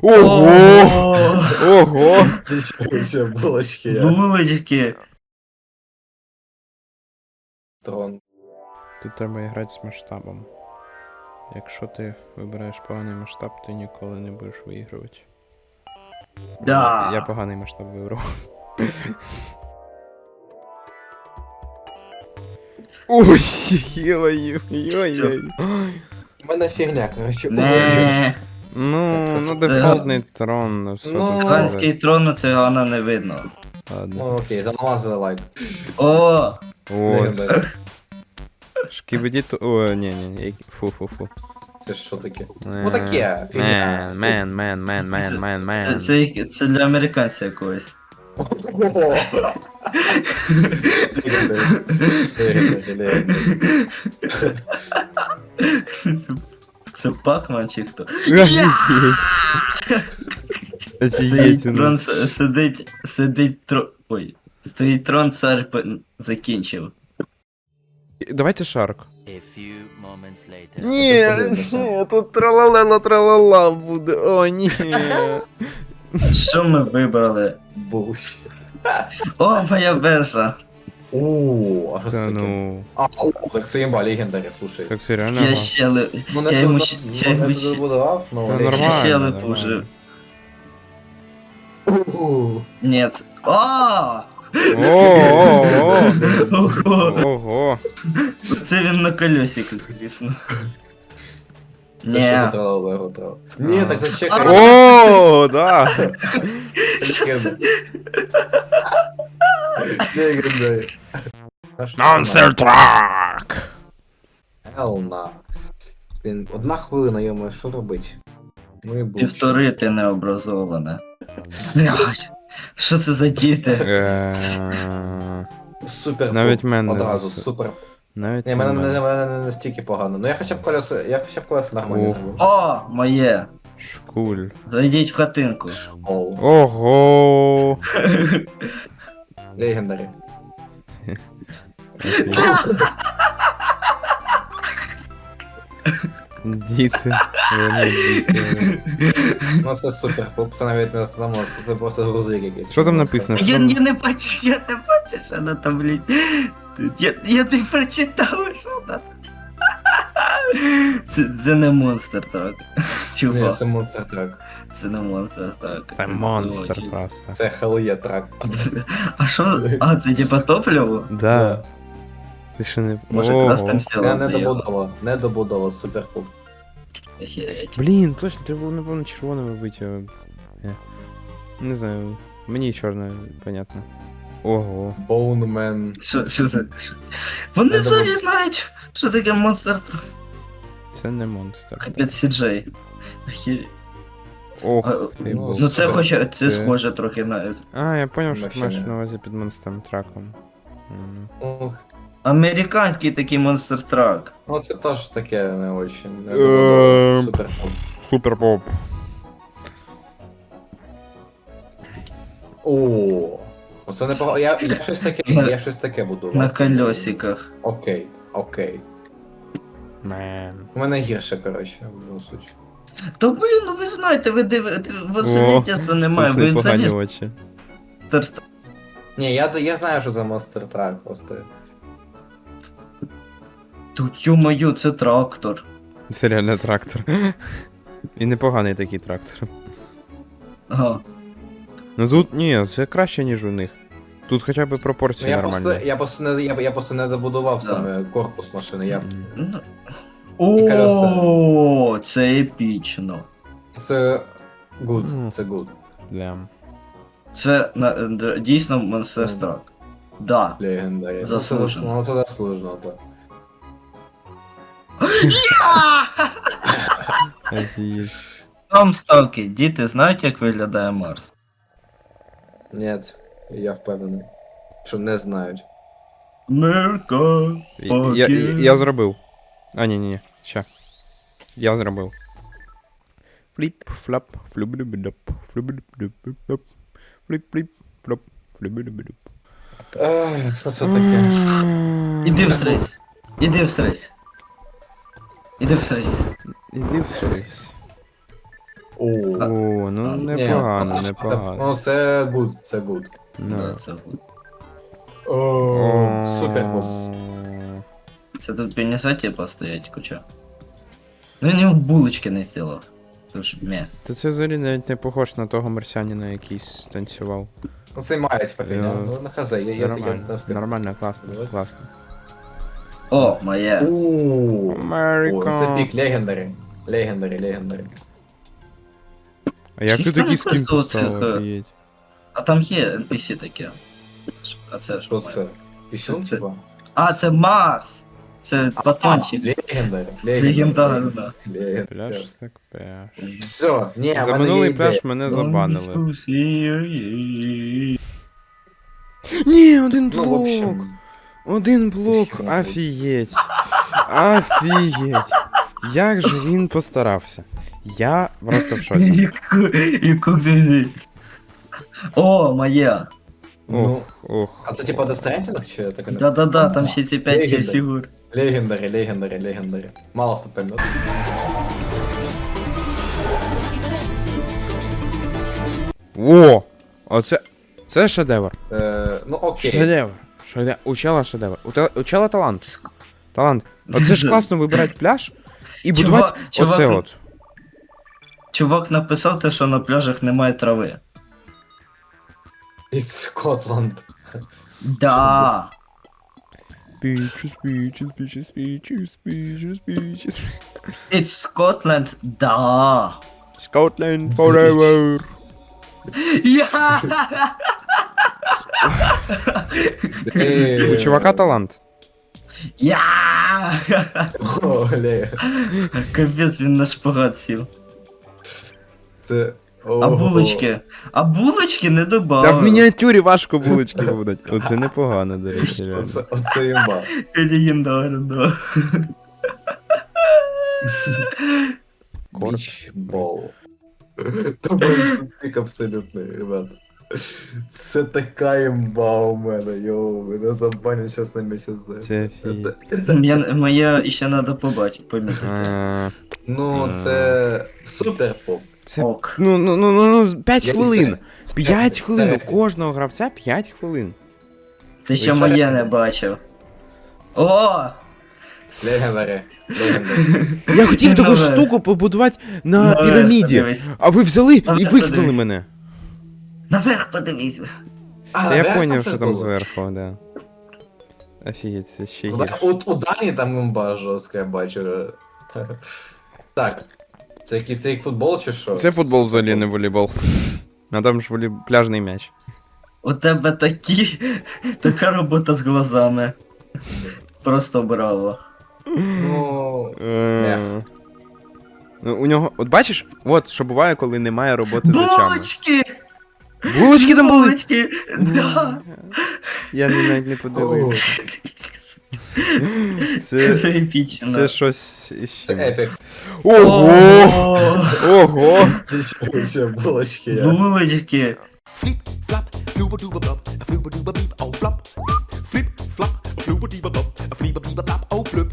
Ого! Ого! Все, булочки я. Булочки. Трон. Тут треба грати з масштабом. Якщо ти вибираєш поганий масштаб, ти ніколи не будеш виігрувати. Да. Я поганий масштаб вибрав. Ой, ой-ой-ой. У мене фігня, коротше. Не. Ну, дефолтний трон, ну що Ну, тут Ханський сказати. трон на цигана не видно. Ладно. Ну окей, замазали лайк. О! Ось. Шкібеді. О, ні. Фу. Це що таке? Ну таке, фігня. Мен. Це для американця якогось. Ого. Легендарі. Це Пакман чи хто? Офігеть. Стоїть трон, сидить трон. Ой. Стоїть трон, цар закінчив. Давайте шарк. A few moments later. Ні, тут тралала буде. О, ні. Що ми вибрали? Булшіт. О, моя вежа. О, а що це Та таке? ну. Так це імба, легендарі, слушай. Так це реально. Я ага. ще ли... Ну Я не йому тут ще йому ще... добудував, ну Та легендарі. нормально. ще нормально. липужив. О, Ні, це... О! Ого. Ого! Ого. Це він на колесиках, звісно. Це що за Ні. тралалего трал? Ні, так це чекай. О, да. Легендарі. Monster Truck. Елна. Блін, 1 хвилина, йому, що робить? Ну і булшіт. Півтори ти необразоване. Блядь, що це за діти? Супер. Навіть топ. мене Одразу, не супер. Навіть Ні, мене не настільки погано. Ну я хоча б колеса нормально Ох. зробив. О, моє. Шкуль. Зайдіть в хатинку. Ол. Ого. Легендарі. Діти. Вони діти. Ну це супер. Це навіть не само, це просто грузовик якийсь. Що там написано? Я не бачу, що вона там, блядь. Я не прочитав, що вона там. Це не монстр так. Ні, Чувак, це монстр трак. це не монстр так. Це монстр просто. Це Хеллоє трак. А що? А, це типа топливо? Да. Ти що не... Може, Ого. якраз там сіла. Я не добудова, супер пуп. Блін, точно, треба було, напевно, червоним робити. Не знаю, мені чорне, понятно. Ого. Боунмен. Що за... Вони Я взагалі думав- знають, що таке монстр. Це не монстр. Капець Сіджей. Охереть. Ох, А, ти ну, бог. Ну це хоча це Це- схоже трохи на А, я поняв, що ти Вообще маєш не. на увазі під монстром траком. Ух. американський такий монстр трак. Ну це теж таке не очень. Не Ем. добудова, супер пуп. Супер поп. О, оце не погано. Я щось таке буду. На колесиках. Окей. Мен. У мене гірше, коротше, в суті. Та блін, ну ви знаєте, ви дивите, веселітєства немає, Тут ви непогані взагалі очі. старт. Ні, я знаю, що за монстр трак просто. Тут ю-мою, це трактор. Це реально трактор. І непоганий такий трактор. Ага. Ну тут ні, це краще, ніж у них. Тут хоча б Ну, пропорції я нормальні. просто не добудував Да. саме корпус машини. Я... Ну. колеса. О, це епічно. Це Ну. good, це good. Лям. Це дійсно монстр трак. Да. Легендарі. Заслужено. Ну це заслужено, так. Офігеть. Там ставки, діти знають, як виглядає Марс? Ні, я впевнений, що не знають. Мерка. Я зробив. А, ні. Ща. Я зробив. Фліп, флап, флюбидубидуп, флюбидубидуп, фліп, флоп, флюбидубидуп. Що це таке? Іди всрись. Іди всрись. Іди всрись. Іди всрись. О, ну ні, непогано, ну, непогано. Ну, це good, це good. Ну. Да, це буде. О, супер був. Це тут принесете постоять куча. Ну він йому булочки не зробив. Тож мє. Та це взагалі навіть не похож на того марсіанина, який танцював. Ну, це має, типа, фігня. Я- Ну, на хз, я Нормально, там встиг. нормально, класно, Давай. класно. О, моє. О, це Америка. пік, легендарі. Легендарі. А як ти Чисто такий скін просто поставив, оцих, офігеть? А там є NPC таке. А це Що що? це? Пісюн, Це- типа? А, це Марс! Це батончик. Легендарі. Легендарно. Пляж так пляж. Все, ні, За в мене є минулий ідея. пляж мене забанили. Ні, Ні, один Ну, в блок! общем, Один блок, Ще один. офігеть. Офігеть. Як же він постарався. Я просто в шоці. Яку ти. О, моє. ну, Ох. а це типа Дестрендінг чи таке? Да-да-да, там ще ці 5 Легендарі. фігур. Легендарі. Мало хто пам'ятає. О! Оце. Це шедевр. Ну окей. Шедевр. У чела шедевр. У чела талант. Талант. Оце ж класно вибирати пляж і будувати Чувак, оце ну- от. Чувак написав те, що на пляжах немає трави. It's Scotland. Да. Beaches. It's Scotland. Да. Scotland forever. Я! У чувака талант. Я! О, Капець, він на шпагат сів. Це... А булочки? А булочки не добавили. Та в мініатюрі важко булочки будуть. Оце непогано, до речі, реально. Оце імба. Легендарно. Корт. Бічбол. Тобто це пік абсолютний, ребята. Це така імба у мене, йоу, мене забанять щас на місяць за. Це фі. Моє ще треба побачити, помітити. Ну, це супер поп. Це. Ок. Ну, 5 хвилин. Це- 5 хвилин. У це- кожного гравця 5 хвилин. Ти ще це- моє не бачив. О! Легендарі. Я хотів таку Нове. штуку побудувати на Нове, піраміді. подивись. А ви взяли Нове, і викинули подивись. мене. Наверх подивись. Та я поняв, що там зверху, да. Офігеть, це ще є. У Дані там імба жорстка, я бачу. Так. Це якийсь фейк футбол чи що? Це футбол взагалі, не волейбол. А там ж пляжний м'яч. У тебе така робота з глазами. Просто браво. Ну... Ну, у нього. От бачиш, от що буває, коли немає роботи з очами. Булочки! Булочки там були! Булочки! Да! Я навіть не подивився. Це Це. епічно. Це щось іще. Це епік. Ого! О, Ого! Це булочки, я. Булочки! Flip, flop, flooba dooba blub, a flooba dooba beep, oh flop. Flip, flop, flooba dooba blub, a flooba dooba blop, oh blub.